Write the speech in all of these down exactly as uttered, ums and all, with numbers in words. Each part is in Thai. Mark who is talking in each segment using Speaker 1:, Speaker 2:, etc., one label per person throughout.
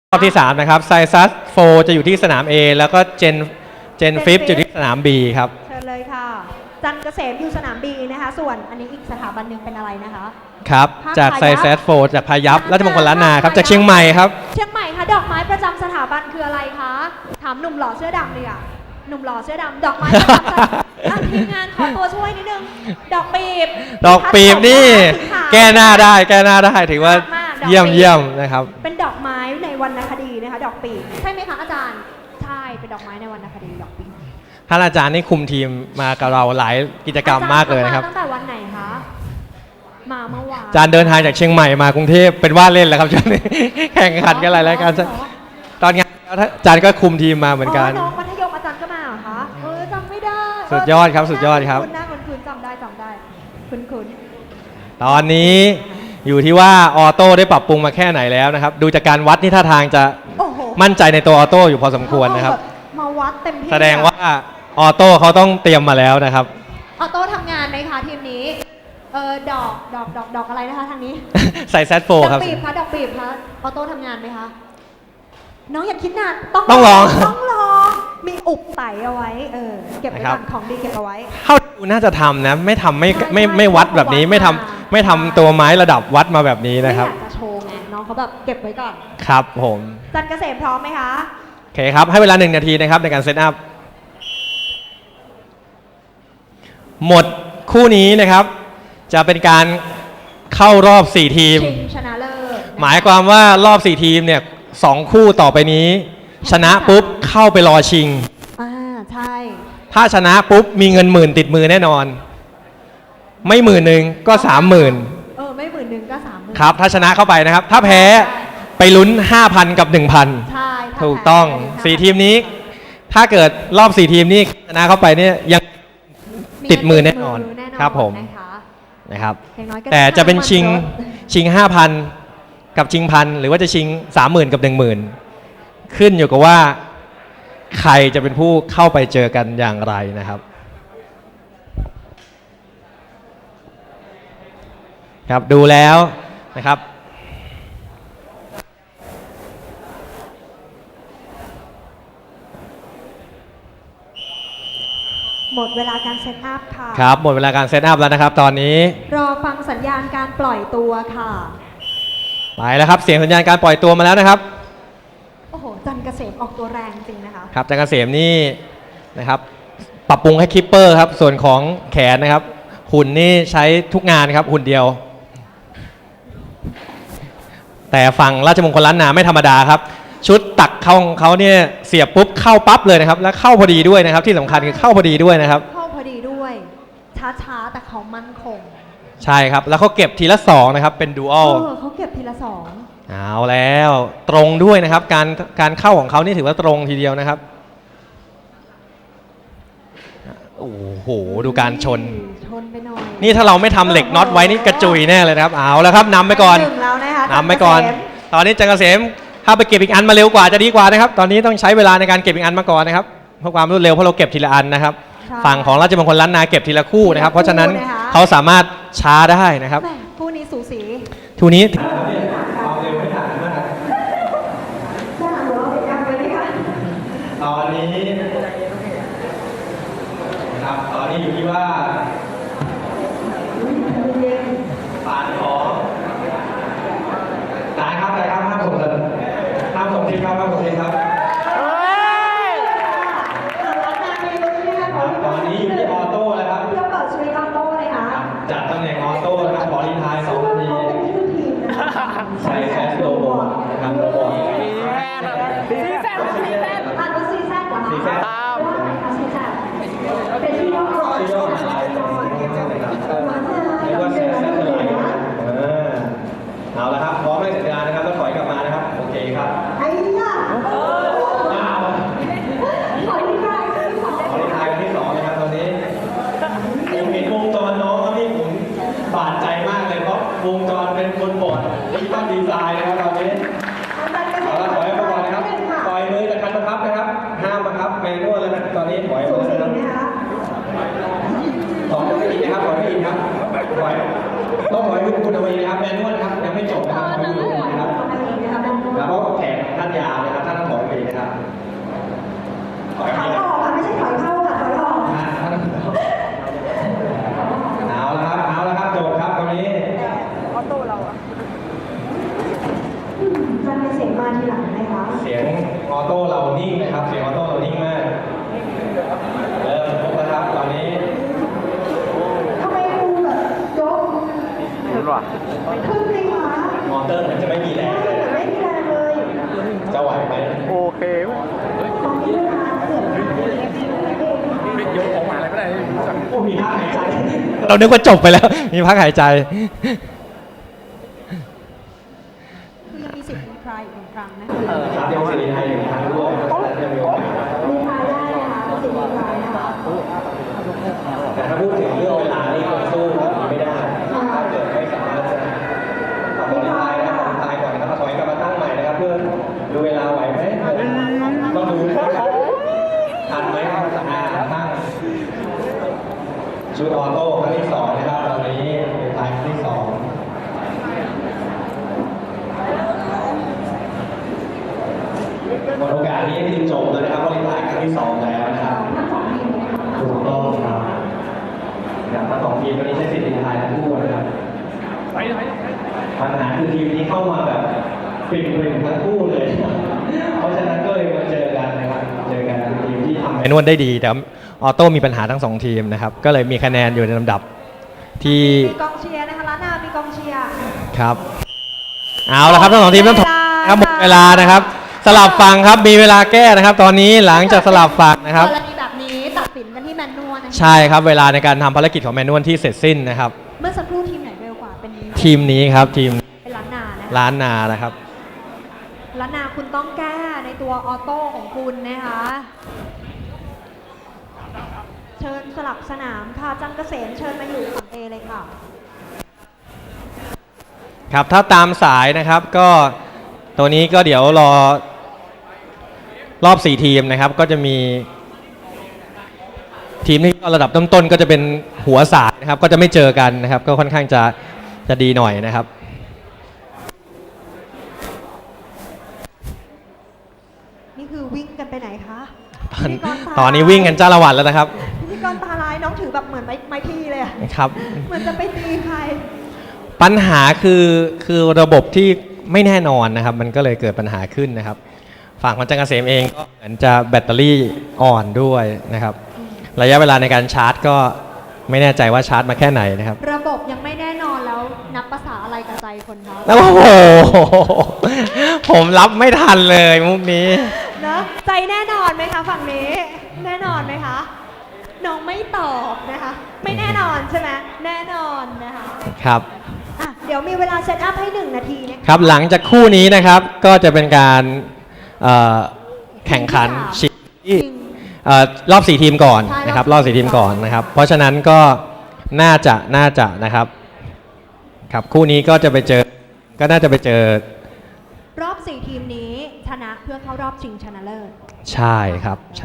Speaker 1: รอบที่สามนะครับไซซัสโฟจะอยู่ที่สนาม A แล้วก็เจนเจนฟิฟอยู่ที่สนาม B ครับ
Speaker 2: เชิญเลยค่ะจันเกษมอยู่สนาม B นะคะส่วนอันนี้อีกสถาบันหนึ่งเป็นอะไรนะคะ
Speaker 1: ครับจากไซซัสโฟจากพายัพราชมงคลล้านนาครับจากเชียงใหม่ครับ
Speaker 2: เชียงใหม่ค่ะดอกไม้ประจำสถาบันคืออะไรคะถามหนุ่มหล่อเสื้อดำเลยอ่ะหนุ่มหล่อเสื้อดำดอกไม้ประจำอ่ะทีมงานขอตัวช่วยนิดนึงดอกปีบ
Speaker 1: ดอกปีบนี่แก้หน้าได้แก้หน้าได้ถือว่าเยี่ยมเยี่ยมนะครับ
Speaker 2: เป็นดอกไม้ในวรรณคดีนะคะดอกปีบใช่ไหมคะอาจารย์ใช่เป็นดอกไม้ในวรรณคดีดอกปีบ
Speaker 1: ท่านอาจารย์นี่คุมทีมมากับเราหลายกิจกรรมมากเลยนะครับ
Speaker 2: ตั้งแต่วันไหนคะมาเมื่อวาน
Speaker 1: อาจารย์เดินทางจากเชียงใหม่มากรุงเทพเป็นว่าเล่นแล้วครับช่วงนี้แข่งขันกันหลายรายการตอนงานอาจารย์ก็คุมทีมมาเหมือนกัน
Speaker 2: น้องมัธยมอาจารย์ก็มาเหรอคะเออจำไม่ได้
Speaker 1: สุดยอดครับสุดยอดครับ
Speaker 2: คุณหน้าคุณคุณจำได้จำได้คุณคุณ
Speaker 1: ตอนนี้อยู่ที่ว่าออโต้ได้ปรับปรุงมาแค่ไหนแล้วนะครับดูจากการวัดนี่ท่าทางจะมั่นใจในตัวออโต้อยู่พอสมควรนะครับ
Speaker 2: มาวัดเต็มที่
Speaker 1: แสดงว่าออโต้เขาต้องเตรียมมาแล้วนะครับ
Speaker 2: ออโต้ทำงานไหมคะทีมนี้เออดอกดอกดอกดอกอะไรนะคะทางนี้
Speaker 1: ใส่แซดโฟครับ
Speaker 2: ดอกปีบคะดอกปีบคะออโต้ทำงานไหมคะน้องอย่าคิดนาน
Speaker 1: ต้องลอง
Speaker 2: ต้องลองมีอุบไตเอาไว้เออเก็บไว้ก่อนของดีเก็บเอาไว้
Speaker 1: เข้าดูน่าจะทำนะไม่ทำไม่ไม่ไม่วัดแบบนี้ไม่ทำไม่ทำตัวไม้ระดับวัดมาแบบนี้นะครับ
Speaker 2: ไม่อยากจะโชว์ไงน้องเขาแบบเก็บไว้ก่อน
Speaker 1: ครับผม
Speaker 2: จันเกษมพร้อมไหมคะ
Speaker 1: โอเคครับให้เวลาหนึ่งนาทีนะครับในการเซตอัพหมดคู่นี้นะครับจะเป็นการเข้ารอบสี่ทีม
Speaker 2: ชนะเลิศ
Speaker 1: หมายความว่ารอบสี่ทีมเนี่ยสองคู่ต่อไปนี้ชนะปุ๊บเข้าไปรอชิง
Speaker 2: อ่าใช่
Speaker 1: ถ้าชนะปุ๊บมีเงินหมื่นติดมือแน่นอนไม่หมื่นหนึ่งก็สามหมื่น
Speaker 2: เออไม่หมื่นหนึ่งก็สามหมื่น
Speaker 1: ครับถ้าชนะเข้าไปนะครับถ้าแพ้ไปลุ้น ห้าพัน กับ หนึ่งพัน
Speaker 2: ใช่
Speaker 1: ถูกต้องสี่ทีมนี้ถ้าเกิดรอบสี่ทีมนี้ชนะเข้าไปเนี่ยยังติดมือแน่นอนครับผมนะครับแต่จะเป็นชิงชิง ห้าพัน กับชิงพันหรือว่าจะชิง สามหมื่น กับ หนึ่งหมื่น ขึ้นอยู่กับว่าใครจะเป็นผู้เข้าไปเจอกันอย่างไรนะครับครับดูแล้วนะครับ
Speaker 2: หมดเวลาการเซตอัพค่ะ
Speaker 1: ครับหมดเวลาการเซตอัพแล้วนะครับตอนนี้
Speaker 2: รอฟังสัญญาณการปล่อยตัวค่ะ
Speaker 1: ไปแล้วครับเสียงสัญญาณการปล่อยตัวมาแล้วนะครับ
Speaker 2: โอ้โหจันเกษมออกตัวแรงจริงนะคะ
Speaker 1: ครับจันเกษมนี่นะครับปรับปรุงให้คิปเปอร์ครับส่วนของแขนนะครับหุ่นนี่ใช้ทุกงานครับหุ่นเดียวแต่ฝั่งราชมงคลล้านนาไม่ธรรมดาครับชุดตักเข้าของเขาเนี่ยเสียบปุ๊บเข้าปั๊บเลยนะครับและเข้าพอดีด้วยนะครับที่สำคัญคือเข้าพอดีด้วยนะครับ
Speaker 2: เข้าพอดีด้วยช้าๆแต่เขามั่นคง
Speaker 1: ใช่ครับแล้วเขาเก็บทีละสองนะครับเป็นดูอัล
Speaker 2: เขาเก็บทีละสอง
Speaker 1: เอาแล้วตรงด้วยนะครับการการเข้าของเขานี่ถือว่าตรงทีเดียวนะครับโอ้โหดูการชน
Speaker 2: ชนไปหน่อย
Speaker 1: นี่ถ้าเราไม่ทำเหล็กน็อตไว้นี่กระจุยแน่เลยนะครับเอาแล้วครับนำไปก่อนนำไปก่อนตอนนี้จันเกษมถ้าไปเก็บอีกอันมาเร็วกว่าจะดีกว่านะครับตอนนี้ต้องใช้เวลาในการเก็บอีกอันมาก่อนนะครับเพื่อความรวดเร็วเพราะเราเก็บทีละอันนะครับฝั่งของราชมงคลล้านนาเก็บทีละคู่นะครับเพราะฉะนั้นเขาสามารถช้าได้นะครับ
Speaker 2: คู่นี้สูสี
Speaker 1: คู่นี้ตอนนี้นะครับตอนนี้อยู่ที่ว่าฝานของได้ครับได้ครับห้ามส่งเลยห้ามส่งทีครับห้ามส่งทีครับตอนนี้อยู่ที่ออโต้แล้วครับ
Speaker 2: เพื่อเปิดสวิตช์ออโต้เลยค่ะ
Speaker 1: จัดตำแหน่งออโต้นะครับขอรีไทายสองนาทีใส่แซสโลโบนะครับโลโบ
Speaker 2: ซีแซดซีแซดอ่านว่าซีแซดเหรอคะซีแซดซีแซดเป็นที่ย่อก่อน
Speaker 1: ที่ย่ออะไรเรียกว่าแซสแซสอะไรเอาละครับพร้อมให้สัญญาณนะครับแล้วถอยกลับมานะครับโอเคครับ
Speaker 2: ไอ้ย่า
Speaker 1: ขอรีไทายขอรีไทายที่สองนะครับตอนนี้ผมเห็นวงจรน้องครับพี่ผมบาดใจมากเลยเพราะวงจรเป็นคนบอดที่ต้องดีไซน์นะครับตอนนี้เอาละถอยมาก่อนนะครับปล่อยมือจากคันบังคับนะครับห้ามบังคับแมนนวลแล้วนะตอนนี้ถอยมาแล้วนะครับถอยไม่อีกนะครับถอยไม่อีกครับถอยต้องถอยมือคุณเอาไว้นะครับแมนนวลครับยังไม่จบนะครับถอยมือนะครับแล้วก็แขนท่านยาว
Speaker 2: จันเกษมมาทีหลังนะคะ
Speaker 1: เสียงออโต้เรานิ่งนะครับ เสียงออโต้เรานิ่งมากเริ่มครบแล้วครับตอนนี้
Speaker 2: ทำไมดูแบบยก
Speaker 3: รู้ป่ะ
Speaker 2: ขึ้นเลยคะ
Speaker 1: มอเตอร์เหมือนจะไม่มีแรงเลย
Speaker 2: ไม่มีแรงเลย
Speaker 1: จะไหวไหม
Speaker 3: โอเคเว้ย
Speaker 2: ตอนนี้เวลาเกือบห้านาทีเองค่ะ
Speaker 3: ไม่ยกออกมาอะไรไม่ได้สั่ง
Speaker 1: โอ้มีท่าหายใจ
Speaker 4: เรานึกว่าจบไปแล้ว มีพักหายใจ
Speaker 2: คือยังมีสิทธิ์รีทรายอีกหนึ่งครั้งนะคะ
Speaker 1: เออครับยังสิริไทยอยู่ทางด้วยยังมีโอกาส
Speaker 2: รีทรายได้นะคะสิทธิ์รีทรายนะคะ
Speaker 1: แต่ถ้าพูดถึงเรื่องเวลานี่คงสู้แบบนี้ไม่ได้ถ้าเกิดไม่สามารถจะต่อรีไทยนะครับรีไทยก่อนนะครับถอยกลับมาตั้งใหม่นะครับเพื่อดูเวลาไหวไหมต้องดูนะครับทันไหมครับสามารถตั้งชุดออโต้ครั้งที่สองนะครับตอนนี้รีไทยครั้งที่สองหมดโอกาสนี้คือจบแล้วนะครับเพราะรีไทยครั้งที่สองแล้วนะครับถูกต้องครับอย่างทั้งสองทีมวันนี้ใช้สิทธิ์รีไทยทั้งคู่นะครับ
Speaker 3: ไปไปไป
Speaker 1: ปัญหาคือทีมนี้เข้ามาแบบปริ่มๆทั้งคู่เลย เพราะฉะนั้นก็เลยมาเจอกันนะครับเจอกันคือทีมที่ทำ
Speaker 4: แมนนวลได้ดี แต่ออโต้มีปัญหาทั้งสองทีมนะครับ ก็เลยมีคะแนนอยู่ในลำดับที่
Speaker 2: มีกองเชียร์นะคะร้านนามีกองเชียร์
Speaker 4: ครับ เอาละครับทั้งสองทีมต้องถอยนะครับหมดเวลานะครับ สลับฝั่งครับ มีเวลาแก้นะครับ ตอนนี้หลังจากสลับฝั่งนะครับ
Speaker 2: กรณีแบบนี้ตัดสินกันที่แมนนวลนะคะ
Speaker 4: ใช่ครับ เวลาในการทำภารกิจของแมนนวลที่เสร็จสิ้นนะครับ
Speaker 2: เมื่อสักครู่ทีมไหนเร็วกว่าเป็นนี้
Speaker 4: ทีมนี้ครับทีม
Speaker 2: เป็นล้านนานะคะ
Speaker 4: ล้านนานะครับ
Speaker 2: ล้านนาคุณต้องแก้ในตัวออโต้ของคุณนะคะ เชิญสลับสนามค่ะจันเกษมเชิญมาอยู่ฝั่งเอเลยค่ะ
Speaker 4: ครับถ้าตามสายนะครับก็ตัวนี้ก็เดี๋ยวรอรอบสี่ทีมนะครับ ก็จะมีทีมที่ระดับต้นๆก็จะเป็นหัวสายนะครับ ก็จะไม่เจอกันนะครับ ก็ค่อนข้างจะจะดีหน่อยนะครับ
Speaker 2: นี่คือวิ่งกันไปไหนคะ
Speaker 4: ตอน
Speaker 2: พิธีกรตา
Speaker 4: ตอนนี้วิ่งกันจ้าละวันแล้วนะครับ
Speaker 2: พิธีกรตาลายน้องถือแบบเหมือนไม้ไม้พีเลยอะ
Speaker 4: ครับ
Speaker 2: เหมือนจะไปตีใคร
Speaker 4: ปัญหาคือคือระบบที่ไม่แน่นอนนะครับ มันก็เลยเกิดปัญหาขึ้นนะครับ ฝั่งของจังเกษมเองก็เหมือนจะแบตเตอรี่อ่อนด้วยนะครับ ระยะเวลาในการชาร์จก็ไม่แน่ใจว่าชาร์จมาแค่ไหนนะครับ
Speaker 2: ระบบยังไม่แน่นอนแล้วนับภาษาอะไรกับใจคนคะ
Speaker 4: โอ้โห ผมรับไม่ทันเลยมุกนี้
Speaker 2: เนอะใจแน่นอนไหมคะฝั่งนี้ แน่นอนไหมคะน้องไม่ตอบนะคะ ไม่แน่นอนใช่ไหมแน่นอนนะคะ
Speaker 4: ครับ
Speaker 2: อ่ะเดี๋ยวมีเวลาเซตอัพให้หนึ่งนาทีนะคะ
Speaker 4: ครับหลังจากคู่นี้นะครับก็จะเป็นการเอ่อแข่งขันชิงที่
Speaker 2: จริง
Speaker 4: เอ่อรอบสี่ทีมก่อน
Speaker 2: ใช่
Speaker 4: นะครับ
Speaker 2: ร
Speaker 4: ร
Speaker 2: อ
Speaker 4: อ
Speaker 2: บบ สี่
Speaker 4: สี่
Speaker 2: ที
Speaker 4: ที
Speaker 2: ม
Speaker 4: ม
Speaker 2: ก่
Speaker 4: ก่
Speaker 2: อ
Speaker 4: อน นนะครับ เพราะฉะนั้นก็น่าจะน่าจะนะครับครับคู่นี้ก็จะไปเจอก็น่าจะไปเจอ
Speaker 2: รอบสี่ทีมนี้ชนะเพื่อเข้ารอบชิงชนะเลิศ
Speaker 4: ใช่ครับใช่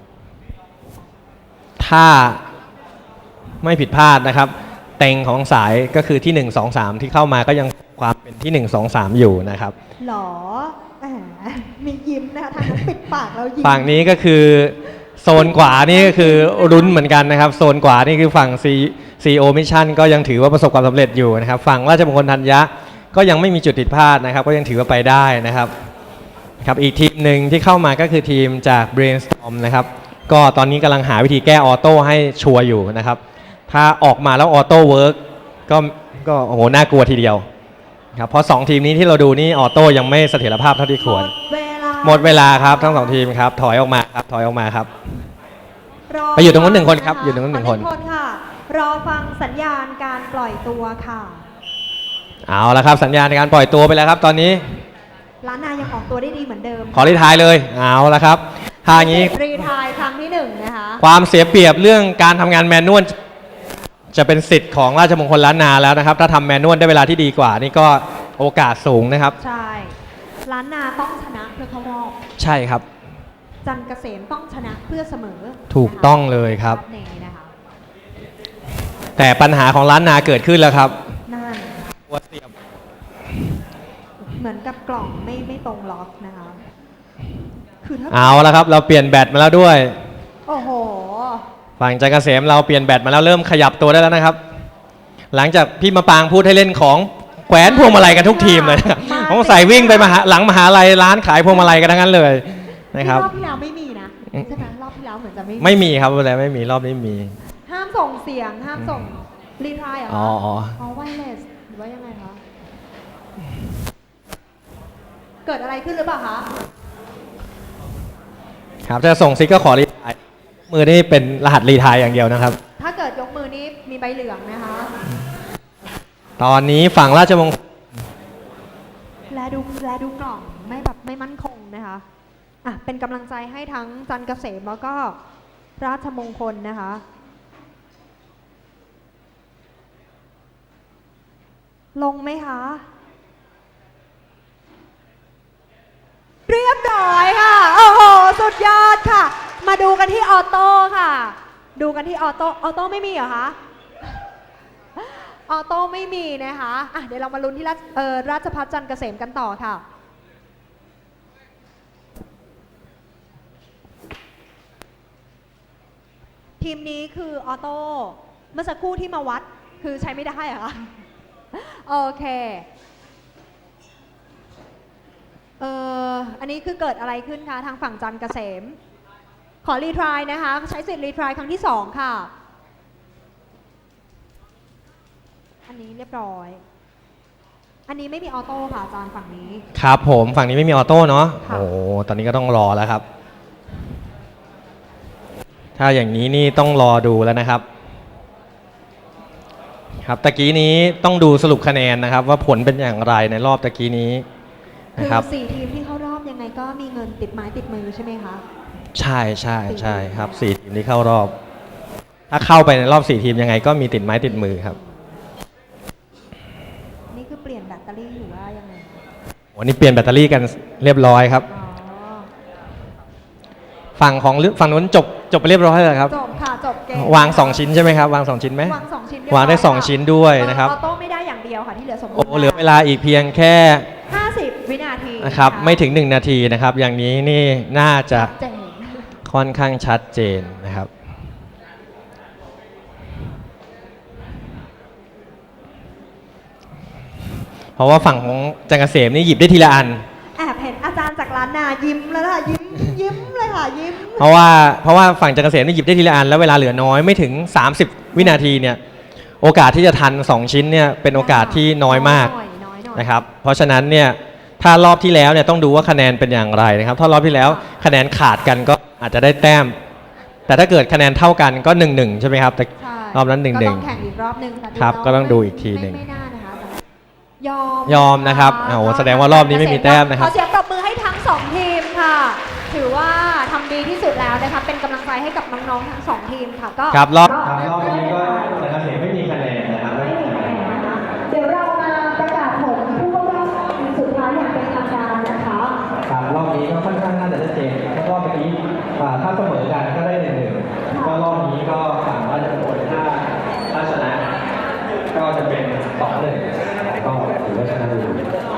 Speaker 4: ถ้าไม่ผิดพลาดนะครับ เต็งของสายก็คือที่หนึ่ง สอง สามที่เข้ามาก็ยังความเป็นที่หนึ่ง สอง สามอยู่นะครับ
Speaker 2: หรอแหมมียิ้มนะคะทางนั้นปิดปากแล้วยิ้ม
Speaker 4: ฝั่งนี้ก็คือโซนขวานี่ก็คือรุ้นเหมือนกันนะครับ โซนขวานี่คือฝั่ง ซี โอ Mission ก็ยังถือว่าประสบความสำเร็จอยู่นะครับ ฝั่งราชมงคลธัญญะก็ยังไม่มีจุดผิดพลาดนะครับ ก็ยังถือว่าไปได้นะครับครับอีกทีมหนึ่งที่เข้ามาก็คือทีมจาก Brainstorm นะครับ ก็ตอนนี้กำลังหาวิธีแก้ออโต้ให้ชัวร์อยู่นะครับ ถ้าออกมาแล้วออโต้เวิร์กก็ก็โอ้โหน่ากลัวทีเดียวครับเพราะสองทีมนี้ที่เราดูนี่ออโต้ยังไม่เสถียรภาพเท่าที่ควร
Speaker 2: เวลา
Speaker 4: หมดเวลาครับทั้งสองทีมครับถอยออกมาครับถอยออกมาครับ
Speaker 2: ร
Speaker 4: ไปอยู่ตรงนู้นหนึ่งคนครับอยู่ตรงนู้นหนึ่งคน
Speaker 2: ขอคนค่ะ รอฟังสัญญาณการปล่อยตัวค่ะ
Speaker 4: เอาละครับสัญญาณในการปล่อยตัวไปแล้วครับ ตอนนี้
Speaker 2: ล้านนายังออกตัวได้ดีเหมือนเดิม
Speaker 4: ขอรีทายเลยเอาละครับถ้าอย่างนี้
Speaker 2: รีไทายครั้งที่หนึ่งนะคะ
Speaker 4: ความเสียเปรียบเรื่องการทำงานแมนนวลจะเป็นสิทธิ์ของราชมงคลล้านนาแล้วนะครับ ถ้าทำแมนนวลได้เวลาที่ดีกว่า นี่ก็โอกาสสูงนะครับ
Speaker 2: ใช่ล้านนาต้องชนะเพื่อเข้ารอบ
Speaker 4: ใช่ครับ
Speaker 2: จันเกษมต้องชนะเพื่อเสมอ
Speaker 4: ถูกต้องเลยครับ
Speaker 2: รอนี้นะคะ
Speaker 4: แต่ปัญหาของล้านนาเกิดขึ้นแล้วครับ
Speaker 2: นั่น
Speaker 4: ตัวเสียบ
Speaker 2: เหมือนกับกล่องไม่ไม่ตรงล็อกนะคะคือถ้า
Speaker 4: เอาละครับ เราเปลี่ยนแบตมาแล้วด้วย
Speaker 2: โอ้โห
Speaker 4: ฝั่งจักรเกษมเราเปลี่ยนแบตมาแล้วเริ่มขยับตัวได้แล้วนะครับ หลังจากพี่มะปางพูดให้เล่นของแขวนพวงมาลัยกันทุกทีมเลยนะครับผมใส่วิ่งไปมหาหลังมหาลัยร้านขายพวงมาลัยกันทั้งนั้นเลยนะครับ
Speaker 2: รอบที่แล้วไม่มีนะใช่ไหมรอบที่แล้วเหมือนจะไม่มี
Speaker 4: ไม่มีครับอะไรไม่มีรอบนี้มี
Speaker 2: ห้ามส่งเสียงห้ามส่งรีทรายเหรอ
Speaker 4: อ๋อ
Speaker 2: คะ
Speaker 4: อ๋อ
Speaker 2: อ๋อไวเลสหรือว่ายังไงคะเกิดอะไรขึ้นหรือเปล่าคะ
Speaker 4: ครับจะส่งซิกก็ขอรีไทายมือนี่เป็นรหัสรีไทายอย่างเดียวนะครับ
Speaker 2: ถ้าเกิดยกมือนี้มีใบเหลืองนะคะ
Speaker 4: ตอนนี้ฝั่งราชมงคล
Speaker 2: แลดูแลดูกล่องไม่แบบไม่มั่นคงนะคะอ่ะเป็นกำลังใจให้ทั้งจันทร์เกษมแล้วก็ราชมงคลนะคะ ลงไหมคะ เรียบร้อยค่ะ โอ้โห สุดยอดค่ะ มาดูกันที่ออโต้ค่ะ ดูกันที่ออโต้ ออโต้ไม่มีเหรอคะ ออโต้ไม่มีนะคะอ่ะเดี๋ยวเรามาลุ้นที่ราชเอ่อราชภัฏจันทร์เกษมกันต่อค่ะ ทีมนี้คือออโต้ เมื่อสักครู่ที่มาวัดคือใช้ไม่ได้เหรอคะ โอเค เอ่อ อันนี้คือเกิดอะไรขึ้นคะทางฝั่งจันทร์เกษม ขอรีทรายนะคะ ใช้สิทธิ์รีทรายครั้งที่สองค่ะ อันนี้เรียบร้อย อันนี้ไม่มีออโต้ค่ะอาจารย์ฝั่งนี้
Speaker 4: ครับผมฝั่งนี้ไม่มีออโต้เนาะ
Speaker 2: ค่ะ
Speaker 4: โอ้ตอนนี้ก็ต้องรอแล้วครับ ถ้าอย่างนี้นี่ต้องรอดูแล้วนะครับ ครับตะกี้นี้ต้องดูสรุปคะแนนนะครับ ว่าผลเป็นอย่างไรในรอบตะกี้นี้
Speaker 2: คื
Speaker 4: นะ
Speaker 2: อ
Speaker 4: ครับ
Speaker 2: สี่ทีมที่เข้ารอบยังไงก็มีเงินติดไม้ติดมือใช่ไหมคะ
Speaker 4: ใช่ใช่ใช่ครับสี่ทีมที่เข้ารอบ ถ้าเข้าไปในรอบสี่ทีมยังไงก็มีติดไม้ติดมือครับ
Speaker 2: นี่คือเปลี่ยนแบตเตอรี่หรือว่ายังไงคะ
Speaker 4: วันนี้เปลี่ยนแบตเตอรี่กันเรียบร้อยครับ
Speaker 2: อ๋อ
Speaker 4: ฝั่งของฝั่งนู้นจบจบไปเรียบร้อยแล้วครับ
Speaker 2: จบค่ะจบเกม
Speaker 4: วางสองชิ้นใช่ไหมครับ วางสองชิ้นไหม
Speaker 2: วางสองชิ้นเรียบร้
Speaker 4: วางได้สอง
Speaker 2: ค่ะ
Speaker 4: ชิ้นด้วยนะครับ
Speaker 2: ออโต้ไม่ได้อย่างเดียวค่ะที่เหลือสมบูร
Speaker 4: โอ้
Speaker 2: ณ์
Speaker 4: เหลือเวลาอีกเพียงแค่
Speaker 2: ห้าสิบวินาที
Speaker 4: นะครับไม่ถึงหนึ่งนาทีนะครับ อย่างนี้นี่น่าจะ
Speaker 2: เจ๋ง
Speaker 4: ค่อนข้างชัดเจนนะครับ เพราะว่าฝั่งของจันทร์เกษมนี่หยิบได้ทีละอัน
Speaker 2: แอบเห็นอาจารย์จากร้านนายิ้มแล้วค่ะยิ้มยิ้มเลยค่ะยิ้ม
Speaker 4: เพราะว่าเพราะว่าฝั่งจันทร์เกษมนี่หยิบได้ทีละอันแล้วเวลาเหลือน้อยไม่ถึง สามสิบ วินาทีเนี่ยโอกาสที่จะทันสองชิ้นเนี่ยเป็นโอกาสที่น้อยมาก
Speaker 2: น้อยน้อยหน่อย
Speaker 4: นะครับเพราะฉะนั้นเนี่ยถ้ารอบที่แล้วเนี่ยต้องดูว่าคะแนนเป็นอย่างไรนะครับถ้ารอบที่แล้วคะแนนขาดกันก็อาจจะได้แต้ม แต่ถ้าเกิดคะแนนเท่ากันก็หนึ่งหนึ่งใช่ไหมครับแต่
Speaker 2: ใช่
Speaker 4: รอบนั้นหนึ่งหนึ่ง
Speaker 2: ก็ต้องแข่งอีกรอบหนึ่งค่ะ
Speaker 4: ครับ
Speaker 2: น้
Speaker 4: ก็ต้องดูอีกทีหนึ่ง
Speaker 2: ไม่ไม่น่านะคะยอม
Speaker 4: ยอมนะครับโอ้โหแสดงว่ารอบนี้ไม่มีแต้มนะครับ
Speaker 2: ขอเสียงปรบมือให้ทั้งสองทีมค่ะ ถือว่าทำดีที่สุดแล้วนะคะเป็นกำลังใจให้กับน้องๆทั้งสองทีมค่ะก็
Speaker 4: ครับรอบ
Speaker 1: ครับรอบนี้ก็จันทร์เกษมไม่มีคะแนนนะครับไม่มีคะแนน
Speaker 2: เดี๋ยวเรามาประกาศผลผู้เข้ารอบสุดท้ายอย่างเป็นทางการนะคะ
Speaker 1: ครับรอบนี้ก็ค่อนข้างน่าจะชัดเจนเพราะรอบเมื่อกี้อ่าถ้าเสมอกันก็ได้หนึ่งหนึ่งก็รอบนี้ก็ฝั่งราชบุรีถ้าถ้าชนะ ก็จะเป็นสองหนึ่งก็ถือว่าชนะอยู่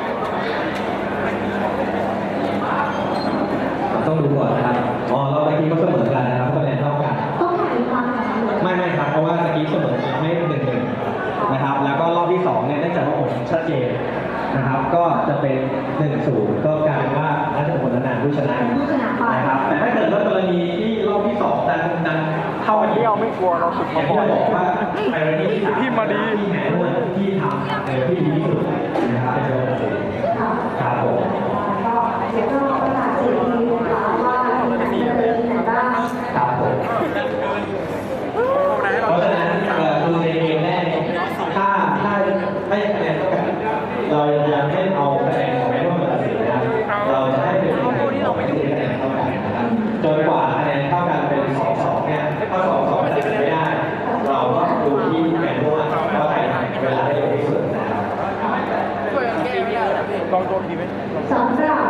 Speaker 1: ต้องดูก่อนนะครับอ๋อรอบเมื่อกี้ก็เสมอกันนะครับคะแนนเท่ากัน
Speaker 2: ต้องแข่งอีกครั้งนะคะ
Speaker 1: ไม่ไม่ครับเพราะว่าเมื่อกี้เสมอให้หนึ่งหนึ่งนะครับแล้วก็รอบที่สองเนี่ยเนื่องจากว่าผลชัดเจนนะครับ ก็จะเป็นหนึ่งศูนย์ก็กลายเป็นว่าราชบุรีนานผู้ชนะ
Speaker 2: ผู้ชนะไป
Speaker 1: นะครับแต่ถ้าเกิดว่ากรณีที่รอบที่สองดันดันเท่ากันอีก
Speaker 3: ที่เราไม่กลัวเราฝึก
Speaker 1: อย่า
Speaker 3: มาง
Speaker 1: ที่
Speaker 3: ก่อน
Speaker 1: เราบอกว่าไอ้เรื่องที่สาม
Speaker 3: ที่มาดี
Speaker 1: ที่แหนด้วยที่ทำเออที่ดีที่สุดนะครับเป็นตัวตัดสินครับผม
Speaker 2: ก็เดี๋ยวเราประกาศสีทีนะคะว่าจะมีอะไรบ้าง
Speaker 1: ครับผมเพราะฉะนั้นเอ่อคือในเกมแรกเนี่ยถ้าถ้าให้คะแนนเท่ากันเรายังไม่เอาคะแนนของแม่ร่วมมาตัดสินนะครับเราจะให้เป็นคะแนนของไม่ได้คะแนนเท่ากันนะครับจนกว่าคะแนนเท่ากันเป็นสองสองเนี่ยถ้าสองสองตัดสินไม่ได้ เราก็ดูที่แม่ร่วมว่าใครทำเวลาได้เร็วที่สุดนะครับ
Speaker 3: ลองโดนทีไหม
Speaker 2: สำหรับ